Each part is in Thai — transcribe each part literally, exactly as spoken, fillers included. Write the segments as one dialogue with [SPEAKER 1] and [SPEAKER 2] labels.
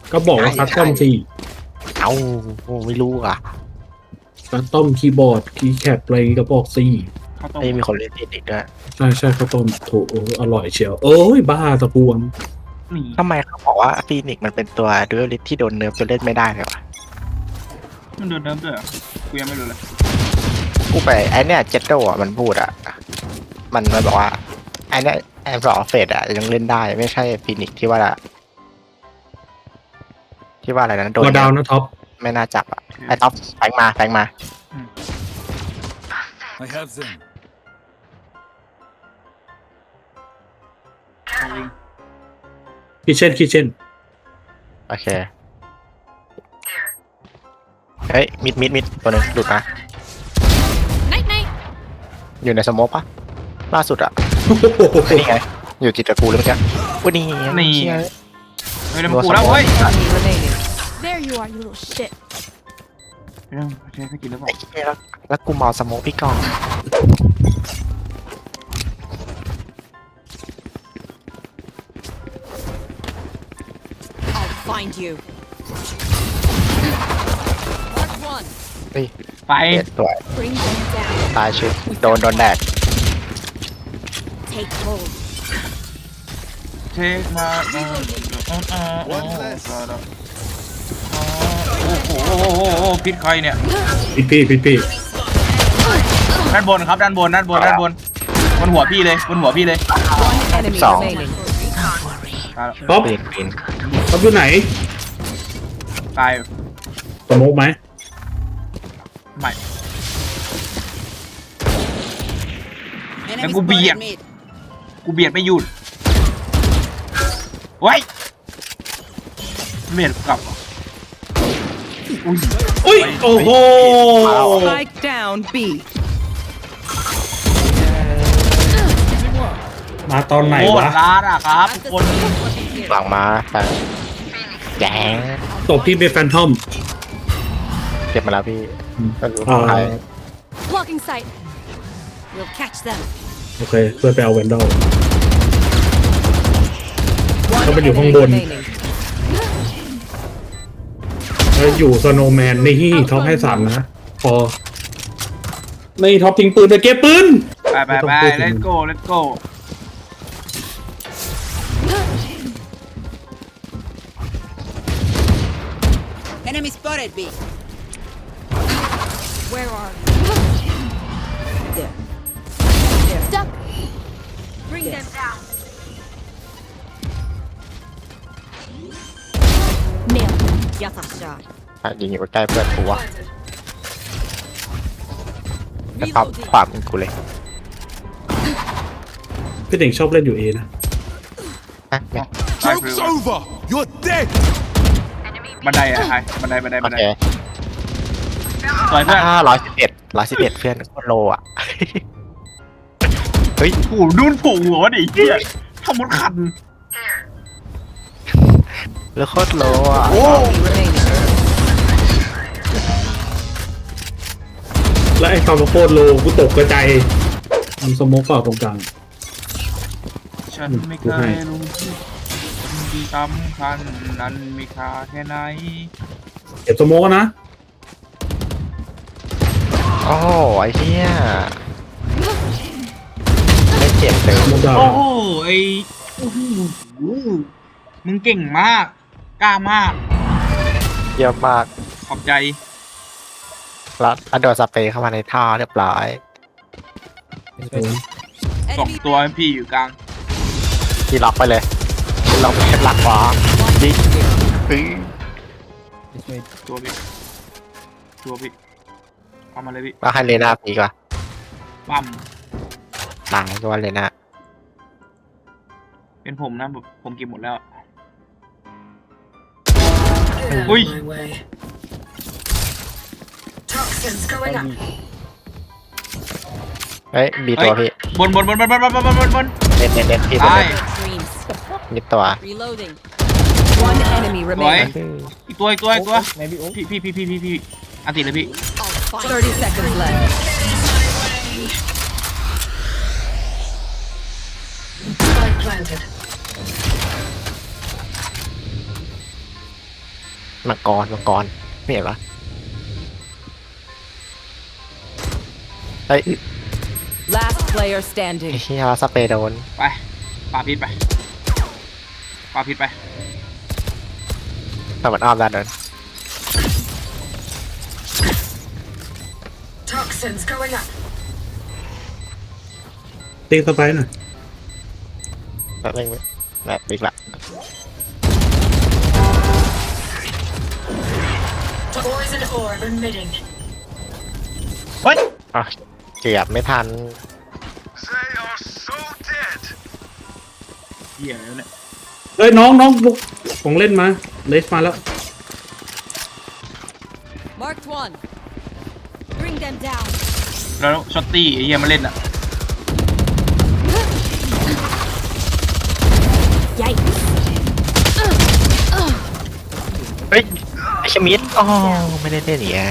[SPEAKER 1] ก็บอกว่าคัสตอมสิ
[SPEAKER 2] เอ้าไม่รู้อ่ะ
[SPEAKER 1] คัสตอมคีย์บอร์ดคีย์แคปอะไรก็บอกสิ
[SPEAKER 3] ข้าวต้ม
[SPEAKER 2] ไม่มีคนเล่นติดด้วย
[SPEAKER 1] ใช่ใช่คัสตอมโถอร่อยเชียวเอ้ยบ้าตะพวง
[SPEAKER 3] นี่
[SPEAKER 2] ทำไมเขาบอกว่าฟีนิกซ์มันเป็นตัวดูเอลิทที่โดนเนิร์ฟจนเล่นไม่ได้เลยวะ
[SPEAKER 3] มันโดนเนิร์ฟด้วยเหรอกูยังไม่รู้เลย
[SPEAKER 2] กูไปไอเนี้ยเจ็ดโดอ่ะมันพูดอ่ะมันมันบอกว่าไอเนี้ยไอสองเฟสอ่ะยังเล่นได้ไม่ใช่ฟีนิกซ์ที่ว่าที่ว่าอะไรนะโดน
[SPEAKER 1] ตัวดาวนะท็อป
[SPEAKER 2] ไม่น่าจับอ่ะไอท็อปแฟงมาแฟงมา
[SPEAKER 4] I have them.
[SPEAKER 3] จริง
[SPEAKER 1] คิเช่นคิเช่น
[SPEAKER 2] โอเคเฮ้ยมิดมิดมิดตัวหนึงหลุดมา
[SPEAKER 5] Night night.
[SPEAKER 2] อยู่ในสโมกปะล่าสุดอ่ะนี่ไงอยู่จิตตะกูเลยเมื่อกี้วันนี้
[SPEAKER 3] นี่
[SPEAKER 2] เชี่ย
[SPEAKER 3] เฮ้ยแล้วมันกูแล้วเว้ย
[SPEAKER 6] Enemy remaining.
[SPEAKER 5] There you are, you little shit.
[SPEAKER 3] เรื่องใช้สกิลหรือเปล่า
[SPEAKER 2] ไอ้เชี่ยแล้วแล้วกูเมาสโมกพี่กอง
[SPEAKER 5] I'll find you. Mark one.
[SPEAKER 2] เฮ้ย
[SPEAKER 3] ไป
[SPEAKER 2] เอ็ดตัว
[SPEAKER 5] Bring them down.
[SPEAKER 2] ตายชื่อโดนโดนแดด
[SPEAKER 5] Take hold.
[SPEAKER 3] เช็คมาเออเออเออเออโอ้โหโอ้โหโอ้โหโอ้โหพิษใครเนี่ย
[SPEAKER 1] พี่พี่พี่พี่
[SPEAKER 3] ด้านบนครับด้านบนด้านบนด้านบนบนหัวพี่เลยบนหัวพี่เลย
[SPEAKER 6] One enemy
[SPEAKER 2] Song.
[SPEAKER 6] remaining.
[SPEAKER 3] ตายแล้ว
[SPEAKER 1] ท็อป
[SPEAKER 2] ปีนปีน
[SPEAKER 1] ท็อปอยู่ไหน
[SPEAKER 3] ตาย
[SPEAKER 1] สโมกไหม
[SPEAKER 3] ใหม่แล้วกูเบียดกูเบียดไม่หยุดไว้ยเบียดกลับเหรออุ้ย
[SPEAKER 1] อุ้ยโอ้โห
[SPEAKER 6] Spike down B.
[SPEAKER 1] มาตอนไหน
[SPEAKER 3] โคตร
[SPEAKER 1] วะ
[SPEAKER 3] ร้านอ่ะครับทุกคน
[SPEAKER 2] หลังมาแฟนแจ๋ง
[SPEAKER 1] ตบที่เป็นแฟนทอม
[SPEAKER 2] เก็บมาแล้วพี่ก็รู้
[SPEAKER 1] อ่า
[SPEAKER 2] ใคร
[SPEAKER 5] Blocking sight. We'll catch them.
[SPEAKER 1] โอเคเพื่อไปเอาแวนดอล
[SPEAKER 6] One
[SPEAKER 1] Sao bênอยู่ข้าง
[SPEAKER 6] enemy
[SPEAKER 1] บน
[SPEAKER 6] remaining.
[SPEAKER 1] แล้วอยู่สโนว์แมนนี่ท็อปให้สามนะพอนี่ท็อปทิ้งปืนไปเก็บปืน
[SPEAKER 3] ไปไปไป let's go let's go
[SPEAKER 7] Enemy spotted B.
[SPEAKER 5] Where are you?
[SPEAKER 7] There.
[SPEAKER 5] Stuck. Bring them down. Nail. Yata shot.
[SPEAKER 2] อ่ะยิงอยู่ใกล้เพื่อนกูวะแต่ความ
[SPEAKER 5] Reloading.
[SPEAKER 2] ความกูเลย
[SPEAKER 1] พี่เด่งชอบเล่นอยู่เอนะ
[SPEAKER 2] อ่ะเนี่ย
[SPEAKER 4] Joke's over. You're dead.
[SPEAKER 3] บันไดอะไอ้บันไดบันได
[SPEAKER 2] โอ
[SPEAKER 3] บันได
[SPEAKER 2] เค
[SPEAKER 3] สวยเพื่อน
[SPEAKER 2] ห้าร้อยสิบเอ็ดร้อยสิบเอ็ดเพื่อนโคตรโลอ่ะ เฮ้ย
[SPEAKER 3] โอ้โหดูนผูกหัวดิเฮียทำมดคัน
[SPEAKER 2] แล้วโคตรโลอ่ะ
[SPEAKER 6] Enemy remaining.
[SPEAKER 1] และไอ้คำว่าโคตรโลกูตกกระจายมันสโมกเปล่าตรงกลาง
[SPEAKER 3] ฉันไม่เคยรู้สิ่งที่สำคัญนั้นมีค่าแค่ไหน
[SPEAKER 1] เก็บสโมกนะ
[SPEAKER 2] โอ้โหไอ้เหี้ยไม่เจ็บเลย
[SPEAKER 1] สโมกดาว
[SPEAKER 3] โอ้โหไอ้โอ้โหมึงเก่งมากกล้ามาก
[SPEAKER 2] เยอะมาก
[SPEAKER 3] ขอบใจ
[SPEAKER 2] แล้วแล้วโดนสเปรย์เข้ามาในท่อเรียบร้อย
[SPEAKER 3] สองตัวพี่อยู่กลาง
[SPEAKER 2] ที่ล็อกไปเลยที่ล็อกเป็นหลักขวายิงอื้อ
[SPEAKER 3] ตัวพี่ตัวพี่เอามาเลยพี่
[SPEAKER 2] แล้วให้เลน่าปีกว่า
[SPEAKER 3] ปั๊ม
[SPEAKER 2] ตายก็ว่าเลน่า
[SPEAKER 3] เป็นผมนะแบบผมเก็บหมดแล้วอุ้ย
[SPEAKER 2] เฮ้ยมีตัวพี่
[SPEAKER 3] บนบนบนบนบนบนบนบนบน
[SPEAKER 2] เน้นเน้นเน้นพี่
[SPEAKER 3] ตาย
[SPEAKER 5] Dreams.
[SPEAKER 2] มีตัว
[SPEAKER 5] Reloading.
[SPEAKER 6] One enemy
[SPEAKER 3] สวย
[SPEAKER 6] remaining.
[SPEAKER 3] อีกตัวอีกตัวอีกตัวพี่พี่พี่พี่พี่พี่อันติดเลยพี่
[SPEAKER 5] I'll find
[SPEAKER 6] Thirty seconds left.
[SPEAKER 2] มังกรมังกรไม่เห็นปะเฮ้ย
[SPEAKER 6] Last player
[SPEAKER 2] ไอ้
[SPEAKER 6] standing.
[SPEAKER 2] เหี้ยสเปรย์โดน
[SPEAKER 3] ไปปาพิษไปปาพิษไป
[SPEAKER 2] แต่มันอ้อมได้โดน
[SPEAKER 6] Toxins going up.
[SPEAKER 1] ตีสไปร์หน่อย
[SPEAKER 2] แบบไม่แบบบิ๊กละ
[SPEAKER 6] Poison orb emitting.
[SPEAKER 3] เฮ้ย
[SPEAKER 2] อ่ะเกือบไม่ทัน
[SPEAKER 4] They are so dead.
[SPEAKER 3] เหี้ยแล้วเนี่ย
[SPEAKER 1] เอ้ยน้องน้องลุกของเล่นมาเลสมาแล้ว
[SPEAKER 5] Marked one. Bring them down.
[SPEAKER 3] แล้วช็อตตี้ไอ้เหี้ยมาเล่นอ่ะ
[SPEAKER 5] Yikes.
[SPEAKER 2] เฮ้ยไอชมิดอ๋อไม่ได้เล่นเนี่ย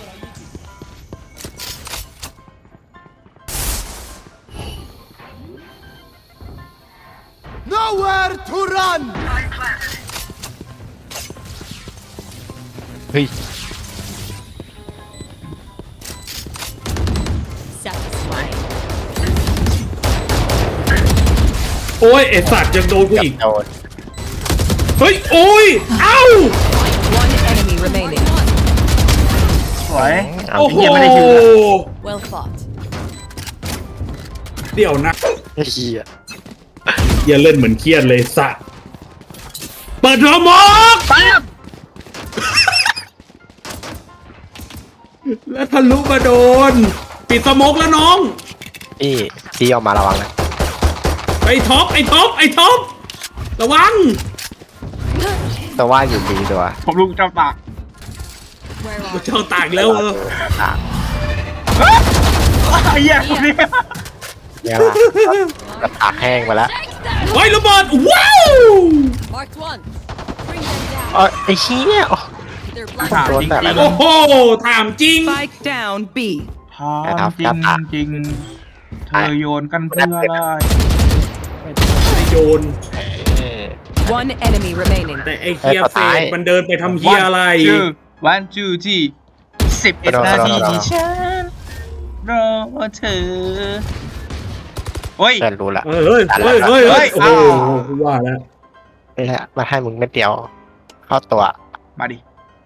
[SPEAKER 4] Nowhere to run.
[SPEAKER 2] เฮ้ย
[SPEAKER 5] Satisfying.
[SPEAKER 1] โอ้ยไอสัตว์ยังโดนกู
[SPEAKER 2] เกือบ
[SPEAKER 1] อีก
[SPEAKER 2] โดน
[SPEAKER 1] เฮ้ยโอ้ยเอ้า
[SPEAKER 6] One enemy remaining.
[SPEAKER 3] สวย
[SPEAKER 2] เอา
[SPEAKER 1] โอ้โห
[SPEAKER 3] เหี้ยไม่ได้คิวเลย
[SPEAKER 5] Well fought.
[SPEAKER 1] เดี๋ยวนะ
[SPEAKER 2] ไอ้เหี้ย
[SPEAKER 1] อย่าเล่นเหมือนเครียดเลยสัตว์เปิดระมก
[SPEAKER 3] ปั๊บ
[SPEAKER 1] แล้วทะลุมาโดน ปิดสโมกแล้วน้อง
[SPEAKER 2] พี่พี่ออกมาระวังนะ
[SPEAKER 1] ไอ้ท็อปไอ้ท็อปไอ้ท็อประวัง
[SPEAKER 2] ตัวว่าอยู่ดีตัว
[SPEAKER 3] ผมลูกเจ้าตาก
[SPEAKER 5] Where are
[SPEAKER 1] เจ้าตากแล้วเออ
[SPEAKER 2] อ่ะ
[SPEAKER 3] ไอ้เหี้ยคนนี้
[SPEAKER 2] เนี่ยละกระตากแห้งไปแล้ว
[SPEAKER 1] เฮ้ยระเบิดว้าว
[SPEAKER 5] Marked one. Bring them down.
[SPEAKER 2] เออไอ้เหี้ยโอ้
[SPEAKER 5] They're
[SPEAKER 3] ถาม
[SPEAKER 5] blind.
[SPEAKER 3] จริง
[SPEAKER 2] โดนแบบ
[SPEAKER 3] จริง
[SPEAKER 1] โอ้โหถามจริง
[SPEAKER 6] Spike down B.
[SPEAKER 3] ถามจริงจริงเธอโยนกันเพื่ออะไร
[SPEAKER 1] โยน
[SPEAKER 2] เออ
[SPEAKER 6] One enemy remaining.
[SPEAKER 1] แต่ไอ้เคีย
[SPEAKER 2] เอ้ย
[SPEAKER 1] เฟ
[SPEAKER 2] ตาย
[SPEAKER 1] ดมันเดินไปทำเฮียอะไร
[SPEAKER 3] ชื่อวันจูจีสิบเอ็ดนาทีที่ฉันรอเธอโอ้ย
[SPEAKER 2] เพื่อนรู้ละ
[SPEAKER 1] เฮ้ยเฮ้ยเฮ้ยเฮ้ย
[SPEAKER 3] เฮ้
[SPEAKER 1] เฮ้
[SPEAKER 3] ย
[SPEAKER 1] ยโอ้โห
[SPEAKER 3] อ้าว
[SPEAKER 1] ว่าแล้ว
[SPEAKER 2] นี่แหละมาให้มึงเม็ดเดียว เข้าตัว
[SPEAKER 3] มาดิ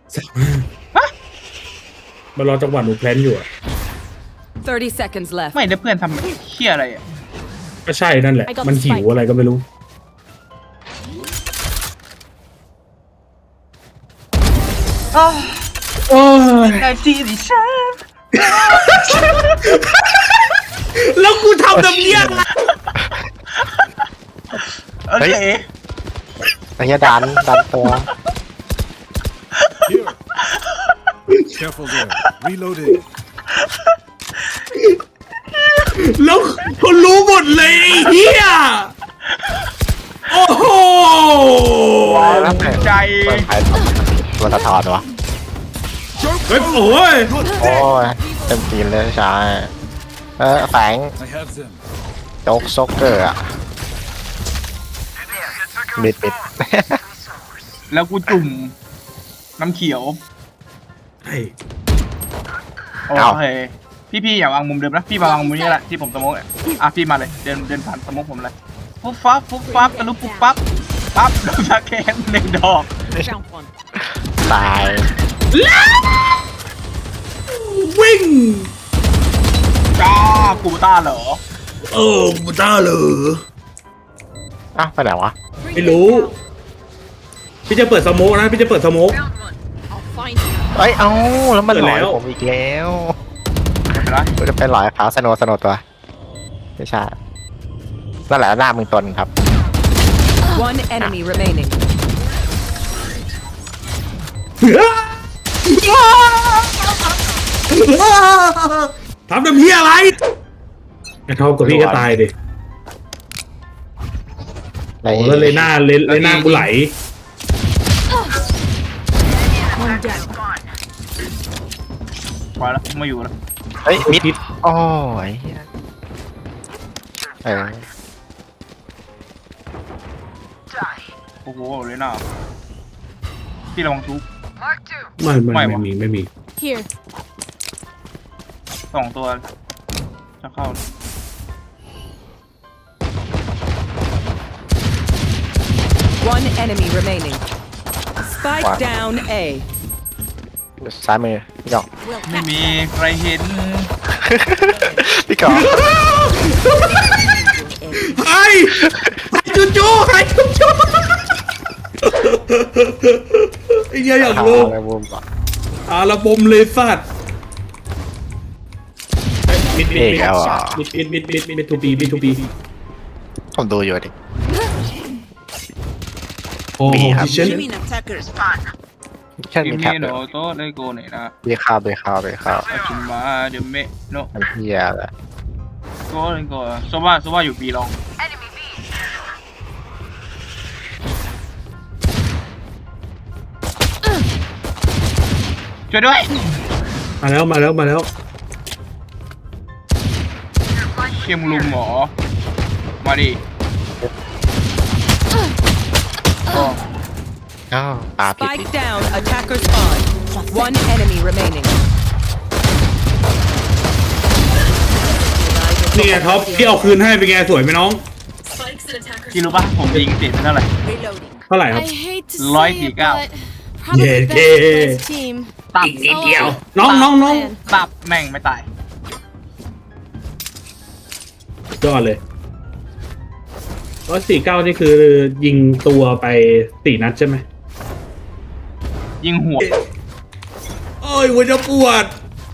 [SPEAKER 1] มารอจังหวะหนูแพลนอยู่อะ
[SPEAKER 6] Thirty seconds left.
[SPEAKER 3] ไม่ได้เพื่อนทำเหี้ยอะไรอ่ะ
[SPEAKER 1] ก็ใช่นั่นแหละ มันหิวอะไรก็ไม่รู้ โอ้ย
[SPEAKER 3] นาทีที่ฉัน
[SPEAKER 1] แล้วกูทำน้ำเยี่ยงอะ
[SPEAKER 3] โอเค
[SPEAKER 2] ไอ้เหี้ยดันดันตัว
[SPEAKER 4] Here. Careful there. Reloading.
[SPEAKER 1] แล้วเขารู้หมดเลยไอ้เฮียโอ้โห
[SPEAKER 2] แล้วแต่
[SPEAKER 3] ใจ
[SPEAKER 2] เปิดไฟตัวสะท้อนวะ
[SPEAKER 1] เฮ้ยโอ้ย
[SPEAKER 4] You're
[SPEAKER 2] โอ้
[SPEAKER 4] dead.
[SPEAKER 2] ยเต็มทีมเลยใช่เออแฝง
[SPEAKER 4] I have them.
[SPEAKER 2] โจ๊กโซกเกอร์อะมิดมิด
[SPEAKER 3] แล้วกูจุ่มน้ำเขียว
[SPEAKER 1] ไอ้
[SPEAKER 3] โอเค พี่พี่อย่าวางมุมเดิมนะ พี่มาวางมุมนี้แหละที่ผมสโมกอะอ่ะพี่มาเลย เดินเดินผ่านสโมกผมเลยปุ๊บปั๊บปุ๊บปั๊บกระลุกปุ๊บปั๊บปั๊บโดนสแกนหนึ่งดอก
[SPEAKER 5] Found one.
[SPEAKER 2] ตาย
[SPEAKER 1] วิ่ง
[SPEAKER 3] จ้ากูต้าเหรอ
[SPEAKER 1] เออบูต้าเลย
[SPEAKER 2] อ้าวไปไหนวะ
[SPEAKER 5] Bring
[SPEAKER 1] ไม่
[SPEAKER 5] them
[SPEAKER 1] รู้
[SPEAKER 5] down.
[SPEAKER 1] พี่จะเปิดสโมกนะ พี่จะเปิดสโมก
[SPEAKER 5] I'll find you.
[SPEAKER 2] เอ้ย เอ้า แล้วมันหลอย
[SPEAKER 1] เปิดแล้ว
[SPEAKER 2] ผมอีกแล้ว
[SPEAKER 3] ไม่เป็นไร
[SPEAKER 2] กูจะไปหลอยเขาสโนว์สโนว์ตัว ไม่ใช่นั่นแหละหน้ามึงตนครับ
[SPEAKER 6] One enemy remaining.
[SPEAKER 1] ทำน้ำเฮียอะไรไอ้ท็อปกับพี่ก็ตายดิโอ้แล้วเลน่าเลเลน่ากูไหล
[SPEAKER 5] One down.
[SPEAKER 3] พอแล้วไม่อยู่แล้ว
[SPEAKER 2] เฮ้ย มิด
[SPEAKER 1] พิษ
[SPEAKER 2] โอ้ยเหี้ยเออ
[SPEAKER 3] โอ้โหเลยน่าพี่ระวังทุก
[SPEAKER 1] ไม่ไม่
[SPEAKER 3] ไม่
[SPEAKER 1] ไม่
[SPEAKER 3] วะ
[SPEAKER 1] มีไม่มี
[SPEAKER 5] Here.
[SPEAKER 3] สองตัวจะเข้า
[SPEAKER 6] One enemy remaining. Spike
[SPEAKER 2] Wow.
[SPEAKER 6] down A.
[SPEAKER 2] ซ้ายมือพี่กอง
[SPEAKER 5] We'll
[SPEAKER 3] ไม่
[SPEAKER 5] catch
[SPEAKER 3] มี
[SPEAKER 5] them.
[SPEAKER 3] ใครเห็น
[SPEAKER 2] พี่กอง
[SPEAKER 1] ไอ้จูจูไอ้จูจูไอ้เหี้ยอยาก
[SPEAKER 2] หา
[SPEAKER 1] รู้
[SPEAKER 2] อะไรบูมก่อน
[SPEAKER 1] อาระบมเลยสัตว์บิดบิ
[SPEAKER 2] เอ
[SPEAKER 1] ด
[SPEAKER 2] ก
[SPEAKER 1] บิด
[SPEAKER 2] แล้วอ่ะ
[SPEAKER 1] บิดบิดบิดบิดบิดทูบีบิดทูบี
[SPEAKER 2] ผมดูอยู่ดิ
[SPEAKER 1] โอ้โห
[SPEAKER 2] มีครับ
[SPEAKER 1] ดิฉัน
[SPEAKER 7] Human attacker spawn.
[SPEAKER 2] แค่
[SPEAKER 3] ที
[SPEAKER 2] มี
[SPEAKER 3] ม
[SPEAKER 2] แท็บ
[SPEAKER 3] นี้
[SPEAKER 2] เล
[SPEAKER 3] โน
[SPEAKER 2] ย
[SPEAKER 3] โตเลโกเนี่ยนะ
[SPEAKER 2] เบียร์ข้าวเบียร์ข้าวเบียร์ข้าว
[SPEAKER 3] อาชิมาเดเมโน
[SPEAKER 2] มันเฮียเลย
[SPEAKER 3] โกเลโกโซว่าโซว่าอยู่บีลองช่วยด้วย
[SPEAKER 1] มาแล้วมาแล้วมาแล้ว
[SPEAKER 3] เชียมลุมหมอ มาดิโอ้
[SPEAKER 2] อ้าวปลาผิด
[SPEAKER 6] Spike down. Attacker spawn. One enemy remaining.
[SPEAKER 1] นี่ไงท็อปที่เอาคืนให้เป็นไงสวยไหมน้อง
[SPEAKER 3] พี่รู้ปะผมยิงเสร็จไปเท่าไหร่
[SPEAKER 7] Reloading.
[SPEAKER 1] เท่าไหร่ครับ
[SPEAKER 5] I hate to
[SPEAKER 3] Loi
[SPEAKER 5] say
[SPEAKER 3] thì
[SPEAKER 5] it,
[SPEAKER 3] cao.
[SPEAKER 5] but probably
[SPEAKER 1] Yeah,
[SPEAKER 5] best
[SPEAKER 1] yeah.
[SPEAKER 5] best team.
[SPEAKER 3] ตับ
[SPEAKER 1] นิดเดียว
[SPEAKER 5] Oh,
[SPEAKER 1] น้องน้องน้อง
[SPEAKER 5] man.
[SPEAKER 3] ตับแม่งไม่ตาย
[SPEAKER 1] ยอดเลยร้อยสี่เก้านี่คือยิงตัวไปสี่นัดใช่ไหม
[SPEAKER 3] ยิงหัว
[SPEAKER 1] โอ้ยหัวจะปวด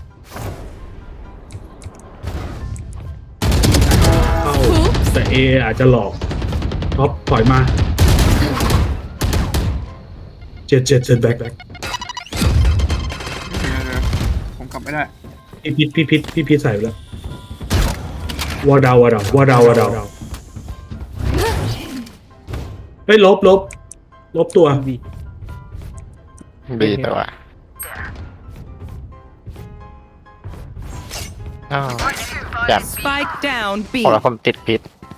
[SPEAKER 1] เข้าแต่เออาจจะหลอกท็อปถอยมาเจ็ดเจ็ดเจ็ดแบ็คแบ็ค
[SPEAKER 3] เดี๋ยวเดี๋ยวผมกลับไม่ได้
[SPEAKER 1] พี่พิษพี่พิษพี่พิษใส่ไปแล้ววอดาววอดาววอดาววอดาวเฮ้ยลบลบลบตัว
[SPEAKER 2] บีตัวอ้าวแบบ
[SPEAKER 6] Spike down B.
[SPEAKER 2] พอแล้วผมติดพิษ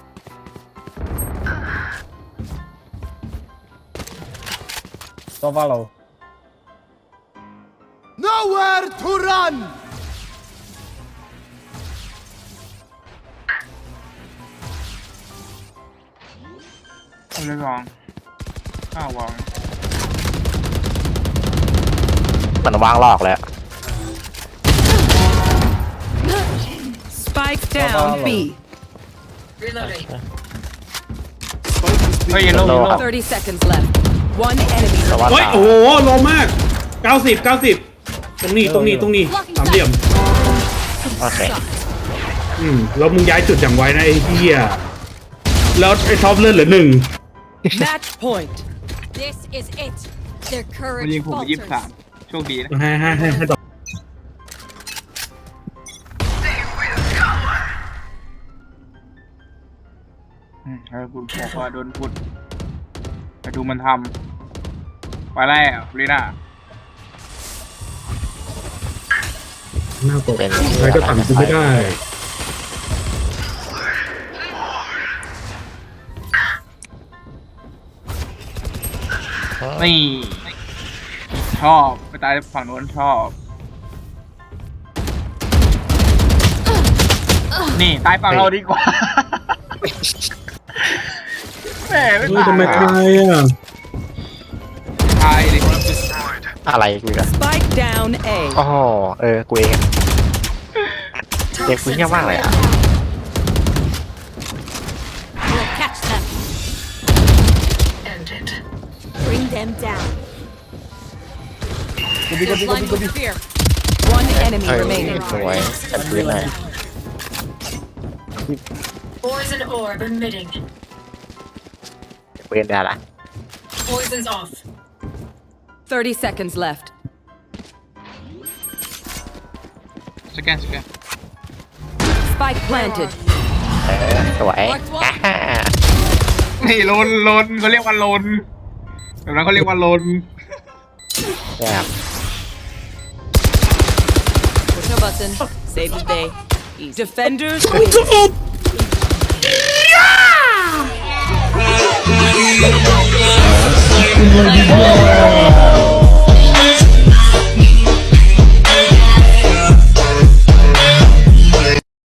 [SPEAKER 4] Nowhere to run!
[SPEAKER 3] เอาเลยลองข้าววาง
[SPEAKER 2] มันวางลอกแล้ว
[SPEAKER 6] Spike down B.
[SPEAKER 3] เฮ้ยเยลโล่เยลโล่
[SPEAKER 6] Thirty seconds left. One enemy
[SPEAKER 2] แต่ว่า
[SPEAKER 1] เฮ้ย
[SPEAKER 2] ตา
[SPEAKER 1] โอ้โหโลมากเก้าสิบเก้าสิบตรงนี้ตรงนี้ตรงนี้สามเหลี่ยม
[SPEAKER 2] โอเค
[SPEAKER 1] อืมแล้วมึงย้ายจุดอย่างไวนะไอ้เหี้ยแล้วไอ้ท็อปเลือดเหลือหนึ่ง
[SPEAKER 6] Match point.
[SPEAKER 5] This is it. Their
[SPEAKER 3] มันยิง
[SPEAKER 5] courage
[SPEAKER 3] ผมไปยี่สิบสาม
[SPEAKER 5] falters.
[SPEAKER 3] โชคดีนะ
[SPEAKER 1] ให้ให้ให้ให้ต่อ
[SPEAKER 3] อืมแล้วคุณบอกว่าโดนพูดไปดูมันทำไปแล้วลีน่า
[SPEAKER 1] หน้าตกใครก็ต่ำกูไม่ได้
[SPEAKER 3] นี่ ชอบไปตายฝั่งโน้นชอบ นี่ตายฝั่งเราดีกว่าแหมไม่
[SPEAKER 1] เฮ้ย
[SPEAKER 3] ตาย
[SPEAKER 1] ทำไมตายอ่ะ
[SPEAKER 3] ตายดิ
[SPEAKER 2] อะไรกูอีกอะ
[SPEAKER 6] Spike down A.
[SPEAKER 2] โอ้โหเออ กูเองอะเด็กกูเงียบมากเลยอ่ะ
[SPEAKER 5] We'll catch them. Bring them down. They're blind with fear.
[SPEAKER 6] One enemy
[SPEAKER 2] เฮ้ย
[SPEAKER 6] remaining.
[SPEAKER 2] สวยจัดพื้นเลย
[SPEAKER 8] Poison orb emitting.
[SPEAKER 2] เว้นได้ละ
[SPEAKER 8] Poison's off.
[SPEAKER 6] Thirty seconds left.
[SPEAKER 3] สแกนสแกน
[SPEAKER 6] Spike planted.
[SPEAKER 2] เออสวยอ่าฮ่า
[SPEAKER 3] นี่ลนลนเขาเรียกว่าลนแบบนั้นเขาเรียกว่าลน
[SPEAKER 2] แบบ
[SPEAKER 6] Push a button. Save the day. Easy. Defenders
[SPEAKER 1] กู
[SPEAKER 6] win.
[SPEAKER 1] จะอบ
[SPEAKER 2] เ